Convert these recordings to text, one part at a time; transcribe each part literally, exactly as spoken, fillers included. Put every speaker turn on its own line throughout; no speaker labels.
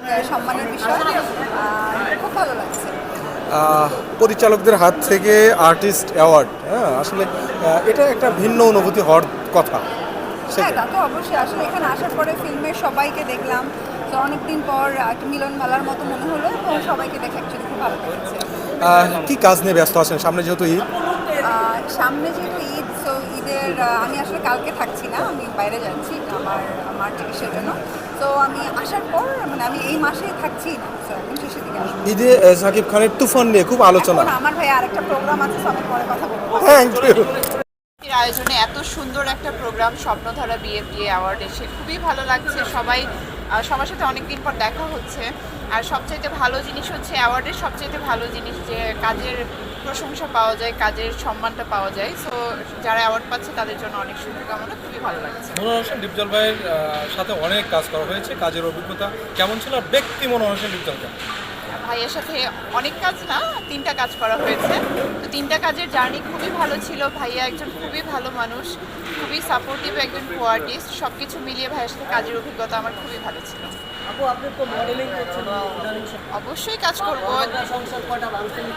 সম্মানের বিষয়। খুব ভালো লাগছে।
পরিচালকদের হাত থেকে আর্টিস্ট অ্যাওয়ার্ড, হ্যাঁ আসলে এটা একটা ভিন্ন অনুভূতি হওয়ার কথা।
হ্যাঁ, তা তো অবশ্যই। আসলে এখানে আসার পরে ফিল্মের সবাইকে দেখলাম, তো অনেকদিন পর একটা মিলন মেলার মতো মনে হলো এবং সবাইকে দেখে অ্যাকচুয়ালি খুব ভালো লেগেছে।
কি কাজ নিয়ে ব্যস্ত আছেন সামনে যেহেতু ঈদ?
সামনে যেহেতু ঈদ, সো ঈদের আমি আসলে কালকে থাকছি না, আমি বাইরে যাচ্ছি আমার আমার চিকিৎসার জন্য। তো আমি আসার পর মানে আমি এই মাসেই থাকছি না, তো একদম শেষের দিকে আসবো।
ঈদে সাকিব খানের তুফান নিয়ে খুব আলোচনা।
আমার ভাই আরেকটা প্রোগ্রাম আছে, সো আমি পরে কথা বলবো।
Thank you.
আয়োজনে এত সুন্দর একটা প্রোগ্রাম স্বপ্নধারা বিএফডিএ অ্যাওয়ার্ড এসে খুবই ভালো লাগছে। সবাই সবার সাথে অনেকদিন পর দেখা হচ্ছে। আর সবচাইতে ভালো জিনিস হচ্ছে অ্যাওয়ার্ডের সবচাইতে ভালো জিনিস যে কাজের প্রশংসা পাওয়া যায়, কাজের সম্মানটা পাওয়া যায়। সো যারা অ্যাওয়ার্ড পাচ্ছে তাদের জন্য অনেক শুভকামনা, খুবই ভালো লাগছে।
মনোয়ার হোসেন ডিপজল ভাইয়ের সাথে অনেক কাজ করা হয়েছে, কাজের অভিজ্ঞতা কেমন ছিল? আর ব্যক্তি মনোয়ার হোসেন ডিপজল কেমন?
ভাইয়ের সাথে অনেক কাজ না, তিনটা কাজ করা হয়েছে। তো তিনটা কাজের জার্নি খুবই ভালো ছিল। ভাইয়া একজন খুবই ভালো মানুষ, খুবই সাপোর্টিভ একজন কো আর্টিস্ট। সব কিছু মিলিয়ে ভাইয়ের সাথে কাজের অভিজ্ঞতা আমার খুবই ভালো ছিল।
আপু, আপনি তো মডেলিং করছেন,
অবশ্যই কাজ করবো।
সংসার কটা ভাঙছেন?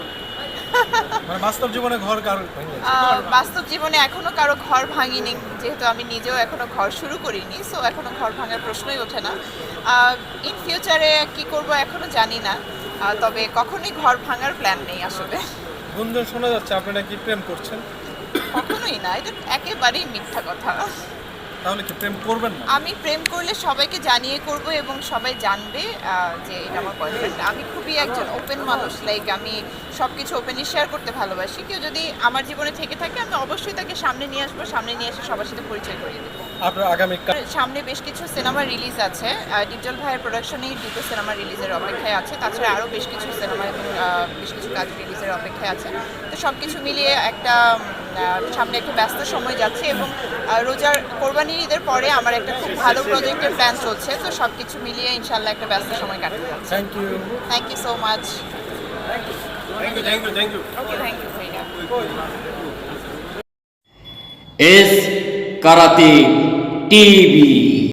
মানে বাস্তব জীবনে ঘর কার
বাস্তব জীবনে এখনো কারো ঘর ভাঙিনি, যেহেতু আমি নিজেও এখনো ঘর শুরু করিনি, সো এখনো ঘর ভাঙার প্রশ্নই ওঠে না। ইন ফিউচারে কি করব এখনো জানি না, তবে কখনোই ঘর ভাঙার প্ল্যান নেই আসলে।
গুঞ্জন শোনা যাচ্ছে আপনি নাকি প্রেম করছেন?
কখনোই না, এটা একেবারেই মিথ্যা কথা।
তাহলে কি প্রেম করবেন না?
আমি প্রেম করলে সবাইকে জানিয়ে করব এবং সবাই জানবে যে এটা আমার বয়ফ্রেন্ড। আমি খুবই একজন ওপেন মানুষ, লাইক আমি সব কিছু ওপেনলি শেয়ার করতে ভালোবাসি। কেউ যদি আমার জীবনে থেকে থাকে আমি অবশ্যই তাকে সামনে নিয়ে আসবো, সামনে নিয়ে এসে সবার সাথে পরিচয় করিয়ে দেবো।
আপনার আগামী
সামনে বেশ কিছু সিনেমা রিলিজ আছে, ডিপজল ভাইয়ের প্রোডাকশনেই দুটো সিনেমা রিলিজের অপেক্ষায় আছে। তাছাড়া আরও বেশ কিছু সিনেমা এবং বেশ কিছু কাজ রিলিজের অপেক্ষায় আছে। তো সব কিছু মিলিয়ে একটা সামনে একটা ব্যস্ত সময় যাচ্ছে এবং রোজার কোরবানির ঈদের পরে আমার একটা খুব ভালো প্রজেক্টের প্ল্যান চলছে। তো সব কিছু মিলিয়ে ইনশাল্লাহ একটা ব্যস্ত সময় কাটতে যাচ্ছে।
Thank you
thank you so much.
Thank you thank you thank you
okay, thank you ভাইয়া।
S karate TV.